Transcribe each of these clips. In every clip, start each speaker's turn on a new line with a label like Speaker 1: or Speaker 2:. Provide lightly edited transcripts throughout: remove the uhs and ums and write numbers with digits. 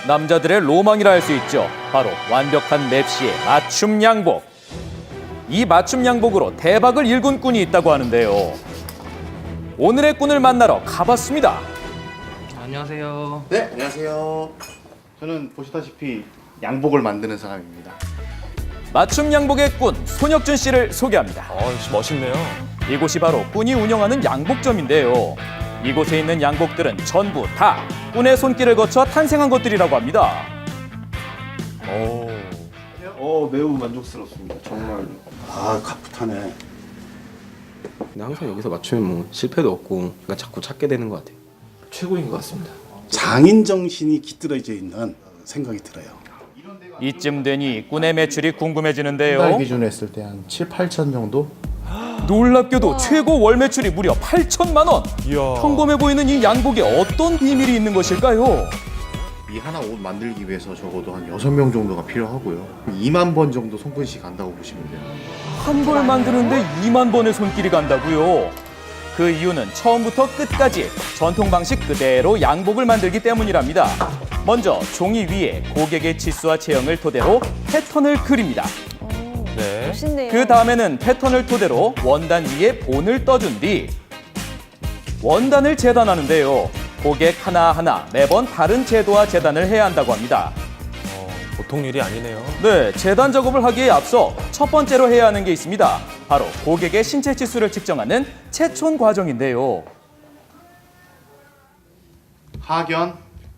Speaker 1: 남자들의 로망이라 할 수 있죠. 바로 완벽한 맵시의 맞춤 양복. 이 맞춤 양복으로 대박을 일군 꾼이 있다고 하는데요. 오늘의 꾼을 만나러 가봤습니다.
Speaker 2: 안녕하세요.
Speaker 3: 네, 안녕하세요. 저는 보시다시피 양복을 만드는 사람입니다.
Speaker 1: 맞춤 양복의 꾼 손혁준 씨를 소개합니다.
Speaker 4: 역시 멋있네요.
Speaker 1: 이곳이 바로 꾼이 운영하는 양복점인데요. 이곳에 있는 양복들은 전부 다 꾼의 손길을 거쳐 탄생한 것들이라고 합니다.
Speaker 3: 매우 만족스럽습니다. 정말.
Speaker 5: 가풋하네.
Speaker 2: 근데 항상 여기서 맞추면 뭐 실패도 없고 그러니까 자꾸 찾게 되는 것 같아요.
Speaker 4: 최고인 것 같습니다.
Speaker 5: 장인 정신이 깃들어져 있는 생각이 들어요.
Speaker 1: 이쯤 되니 꾼의 매출이
Speaker 6: 달
Speaker 1: 궁금해지는데요.
Speaker 6: 기준으로 했을 때 한 7, 8천 정도?
Speaker 1: 놀랍게도 최고 월 매출이 무려 8천만 원.
Speaker 4: 이야.
Speaker 1: 평범해 보이는 이 양복에 어떤 비밀이 있는 것일까요?
Speaker 3: 이 하나 옷 만들기 위해서 적어도 한 6명 정도가 필요하고요. 2만 번 정도 손끝이 간다고 보시면 돼요.
Speaker 1: 한 벌 만드는데 2만 번의 손길이 간다고요. 그 이유는 처음부터 끝까지 전통 방식 그대로 양복을 만들기 때문이랍니다. 먼저 종이 위에 고객의 치수와 체형을 토대로 패턴을 그립니다.
Speaker 4: 네.
Speaker 7: 멋있네요.
Speaker 1: 그 다음에는 패턴을 토대로 원단 위에 본을 떠준 뒤 원단을 재단하는데요. 고객 하나하나 매번 다른 제도와 재단을 해야 한다고 합니다.
Speaker 4: 보통 일이 아니네요.
Speaker 1: 네, 재단 작업을 하기에 앞서 첫 번째로 해야 하는 게 있습니다. 바로 고객의 신체 치수를 측정하는 체촌 과정인데요.
Speaker 3: 하견,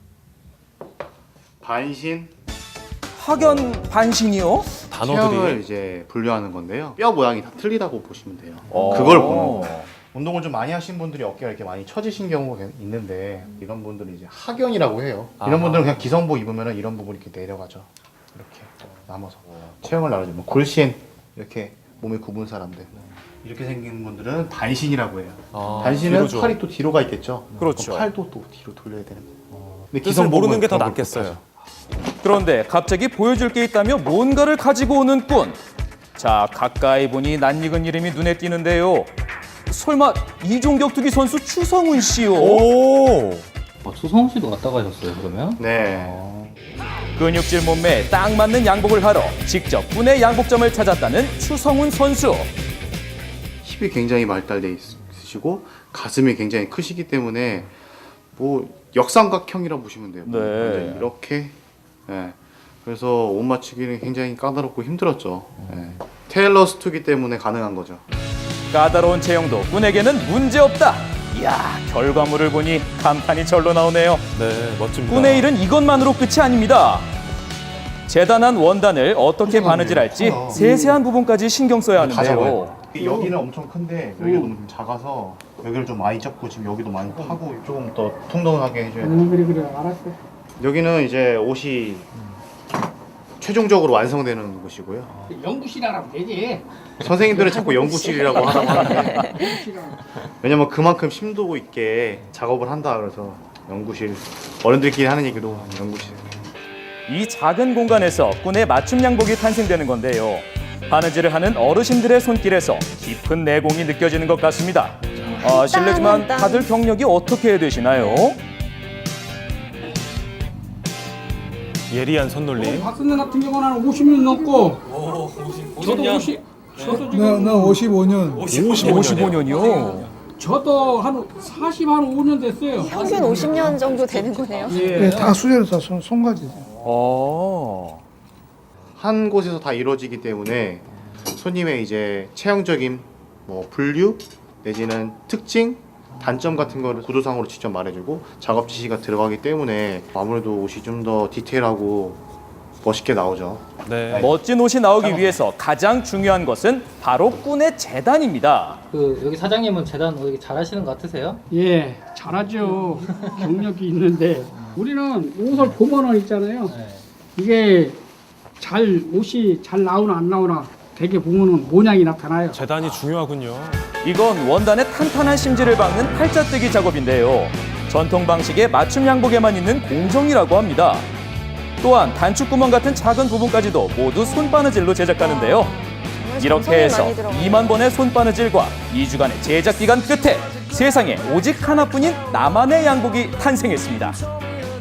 Speaker 3: 반신,
Speaker 1: 학연 반신이요?
Speaker 3: 체형을
Speaker 4: 단어들이
Speaker 3: 이제 분류하는 건데요. 뼈 모양이 다 틀리다고 보시면 돼요.
Speaker 1: 어.
Speaker 3: 그걸 보는 거예요. 운동을 좀 많이 하신 분들이 어깨가 이렇게 많이 처지신 경우가 있는데 이런 분들은 이제 하견이라고 해요. 이런 분들은 그냥 기성복 입으면 이런 부분이 이렇게 내려가죠. 이렇게 남아서 체형을 나눠주면 골신 이렇게 몸이 굽은 사람들 이렇게 생긴 분들은 반신이라고 해요. 반신은
Speaker 4: 뒤로 줘.
Speaker 3: 팔이 또 뒤로 가 있겠죠.
Speaker 1: 그렇죠.
Speaker 3: 그럼 팔도 또 뒤로 돌려야 되는 거예요. 근데
Speaker 4: 뜻을 모르는 게 더
Speaker 3: 그런 걸
Speaker 4: 낫겠어요.
Speaker 1: 그런데 갑자기 보여줄 게 있다며 뭔가를 가지고 오는 꾼. 자, 가까이 보니 낯익은 이름이 눈에 띄는데요. 설마 이종격 투기 선수 추성훈 씨요?
Speaker 4: 오.
Speaker 2: 추성훈 씨도 왔다 가셨어요 그러면?
Speaker 3: 네.
Speaker 1: 근육질 몸매에 딱 맞는 양복을 하러 직접 꾼의 양복점을 찾았다는 추성훈 선수.
Speaker 3: 힙이 굉장히 발달돼 있으시고 가슴이 굉장히 크시기 때문에 뭐 역삼각형이라고 보시면 돼요.
Speaker 1: 네.
Speaker 3: 완전히 이렇게. 예. 그래서 옷 맞추기는 굉장히 까다롭고 힘들었죠. 예. 테일러 스투기 때문에 가능한 거죠.
Speaker 1: 까다로운 체형도 꾼에게는 문제없다. 이야, 결과물을 보니 감탄이 절로 나오네요.
Speaker 4: 네, 멋집니다.
Speaker 1: 꾼의 일은 이것만으로 끝이 아닙니다. 재단한 원단을 어떻게 바느질할지 세세한 부분까지 신경 써야 하는데요.
Speaker 3: 여기는 엄청 큰데 여기가 너무 좀 작아서 여기를 좀 많이 접고 지금 여기도 많이 파고 조금 더 통통하게 해줘야 돼요.
Speaker 8: 그래 알았어.
Speaker 3: 여기는 이제 옷이 최종적으로 완성되는 곳이고요.
Speaker 8: 연구실이라고 하면 되지.
Speaker 3: 선생님들은 자꾸 연구실이라고 하라고 하는데 왜냐면 그만큼 심도 있게 작업을 한다 그래서 연구실 어른들끼리 하는 얘기도 연구실.
Speaker 1: 이 작은 공간에서 꾼의 맞춤 양복이 탄생되는 건데요. 바느질을 하는 어르신들의 손길에서 깊은 내공이 느껴지는 것 같습니다. 실례지만 다들 경력이 어떻게 되시나요?
Speaker 4: 예리한 손놀림.
Speaker 8: 박선생 같은 경우는 한 50년 넘고. 저도 50. 저도 지금
Speaker 9: 나 55년.
Speaker 1: 55년이요?
Speaker 8: 저도 한 40, 한 5년 됐어요.
Speaker 7: 평균 50년 정도 되는 거네요.
Speaker 9: 예, 다 수제로 다 손가지죠.
Speaker 3: 한 곳에서 다 이루어지기 때문에 손님의 이제 체형적인 뭐 분류 내지는 특징, 단점 같은 거를 구도상으로 직접 말해주고 작업 지시가 들어가기 때문에 아무래도 옷이 좀 더 디테일하고 멋있게 나오죠.
Speaker 4: 네.
Speaker 1: 멋진 옷이 나오기 위해서 가장 중요한 것은 바로 꾼의 재단입니다.
Speaker 10: 그 여기 사장님은 재단 어떻게 잘하시는 것 같으세요?
Speaker 8: 예, 잘하죠. 경력이 있는데 우리는 옷을 보면은 있잖아요. 이게 옷이 잘 나오나 안 나오나 되게 보면은 모양이 나타나요.
Speaker 4: 재단이 중요하군요.
Speaker 1: 이건 원단의 탄탄한 심지를 박는 팔자뜨기 작업인데요. 전통 방식의 맞춤 양복에만 있는 공정이라고 합니다. 또한 단축구멍 같은 작은 부분까지도 모두 손바느질로 제작하는데요. 이렇게 해서 2만 번의 손바느질과 2주간의 제작 기간 끝에 세상에 오직 하나뿐인 나만의 양복이 탄생했습니다.
Speaker 7: 정말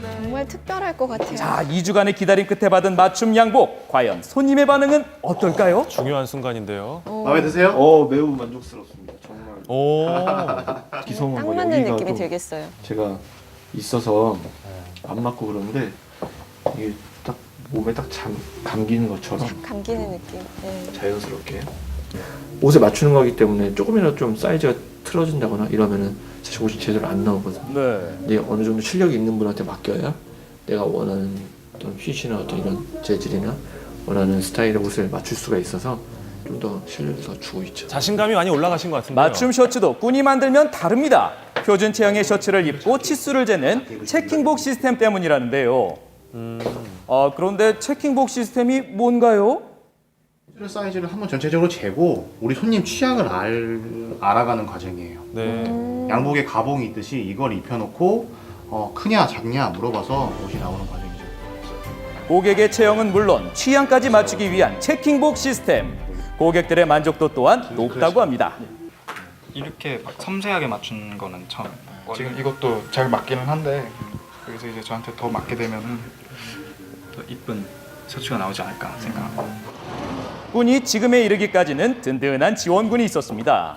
Speaker 7: 정말 특별할 것 같아요.
Speaker 1: 자, 2주간의 기다림 끝에 받은 맞춤 양복. 과연 손님의 반응은 어떨까요?
Speaker 4: 중요한 순간인데요.
Speaker 3: 마음에 드세요?
Speaker 6: 매우 만족스럽습니다. 정말
Speaker 4: 오.
Speaker 7: 딱 맞는 느낌이 들겠어요.
Speaker 6: 제가 있어서 안 맞고 그러는데 이게 딱 몸에 딱 감기는 것처럼
Speaker 7: 감기는 느낌. 네.
Speaker 6: 자연스럽게 옷에 맞추는 거기 때문에 조금이라도 좀 사이즈가 틀어진다거나 이러면은 사실 옷이 제대로 안 나오거든요.
Speaker 1: 네.
Speaker 6: 근데 어느 정도 실력이 있는 분한테 맡겨야 내가 원하는 어떤 핏이나 어떤 이런 재질이나 원하는 스타일의 옷을 맞출 수가 있어서 좀 더 실력을 더 주고 있죠.
Speaker 4: 자신감이 많이 올라가신 것 같은데요.
Speaker 1: 맞춤 셔츠도 꾼이 만들면 다릅니다. 표준 체형의 셔츠를 입고 치수를 재는 체킹복 시스템 때문이라는데요. 그런데 체킹복 시스템이 뭔가요?
Speaker 3: 사이즈를 한번 전체적으로 재고 우리 손님 취향을 알아가는 과정이에요.
Speaker 4: 네.
Speaker 3: 양복에 가봉이 있듯이 이걸 입혀놓고 크냐 작냐 물어봐서 옷이 나오는 과정이죠.
Speaker 1: 고객의 체형은 물론 취향까지 맞추기 위한 체킹복 시스템. 고객들의 만족도 또한 높다고 합니다.
Speaker 11: 이렇게 막 섬세하게 맞춘 거는 처음. 지금 이것도 잘 맞기는 한데 여기서 이제 저한테 더 맞게 되면은 더 이쁜 셔츠가 나오지 않을까 생각합니다.
Speaker 1: 꾼이 지금에 이르기까지는 든든한 지원군이 있었습니다.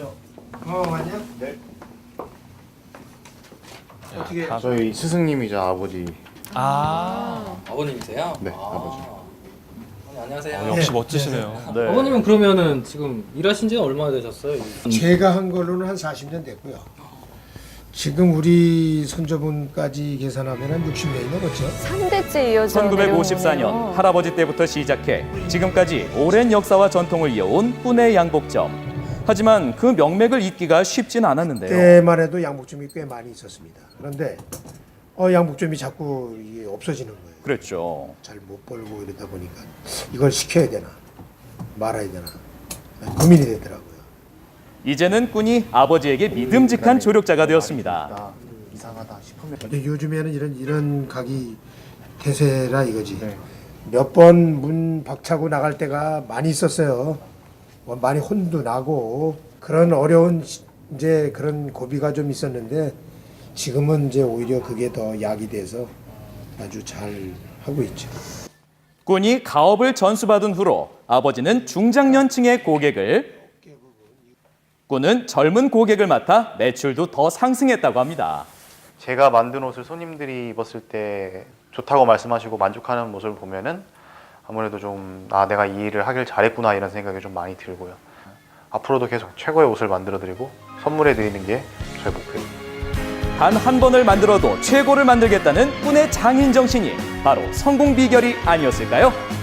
Speaker 3: 저희 스승님이자 아버지.
Speaker 10: 아버님이세요?
Speaker 3: 네, 아버지.
Speaker 10: 안녕하세요.
Speaker 4: 역시 멋지시네요.
Speaker 1: 네.
Speaker 10: 아버님은 그러면은 지금 일하신 지는 얼마나 되셨어요?
Speaker 9: 제가 한 걸로는 한 40년 됐고요. 지금 우리 손자분까지 계산하면 한 60년이 넘었죠.
Speaker 7: 3대째 이어져
Speaker 1: 1954년 할아버지 때부터 시작해 지금까지 오랜 역사와 전통을 이어온 꾼의 양복점. 하지만 그 명맥을 잇기가 쉽진 않았는데요.
Speaker 9: 그때만 해도 양복점이 꽤 많이 있었습니다. 그런데 양복점이 자꾸 이게 없어지는 거예요.
Speaker 1: 그랬죠.
Speaker 9: 잘 못 벌고 이러다 보니까 이걸 시켜야 되나 말아야 되나 고민이 되더라고요.
Speaker 1: 이제는 꾼이 아버지에게 믿음직한 조력자가 되었습니다.
Speaker 3: 이상하다 싶으면
Speaker 9: 근데 요즘에는 이런 각이 대세라 이거지.
Speaker 3: 네.
Speaker 9: 몇 번 문 박차고 나갈 때가 많이 있었어요. 많이 혼도 나고 그런 어려운 이제 그런 고비가 좀 있었는데 지금은 이제 오히려 그게 더 약이 돼서 아주 잘 하고 있죠.
Speaker 1: 꾼이 가업을 전수받은 후로 아버지는 중장년층의 고객을, 꾼은 젊은 고객을 맡아 매출도 더 상승했다고 합니다.
Speaker 3: 제가 만든 옷을 손님들이 입었을 때 좋다고 말씀하시고 만족하는 모습을 보면은 아무래도 좀 내가 이 일을 하길 잘했구나 이런 생각이 좀 많이 들고요. 앞으로도 계속 최고의 옷을 만들어 드리고 선물해 드리는 게 저의 목표입니다.
Speaker 1: 단 한 번을 만들어도 최고를 만들겠다는 꾼의 장인 정신이 바로 성공 비결이 아니었을까요?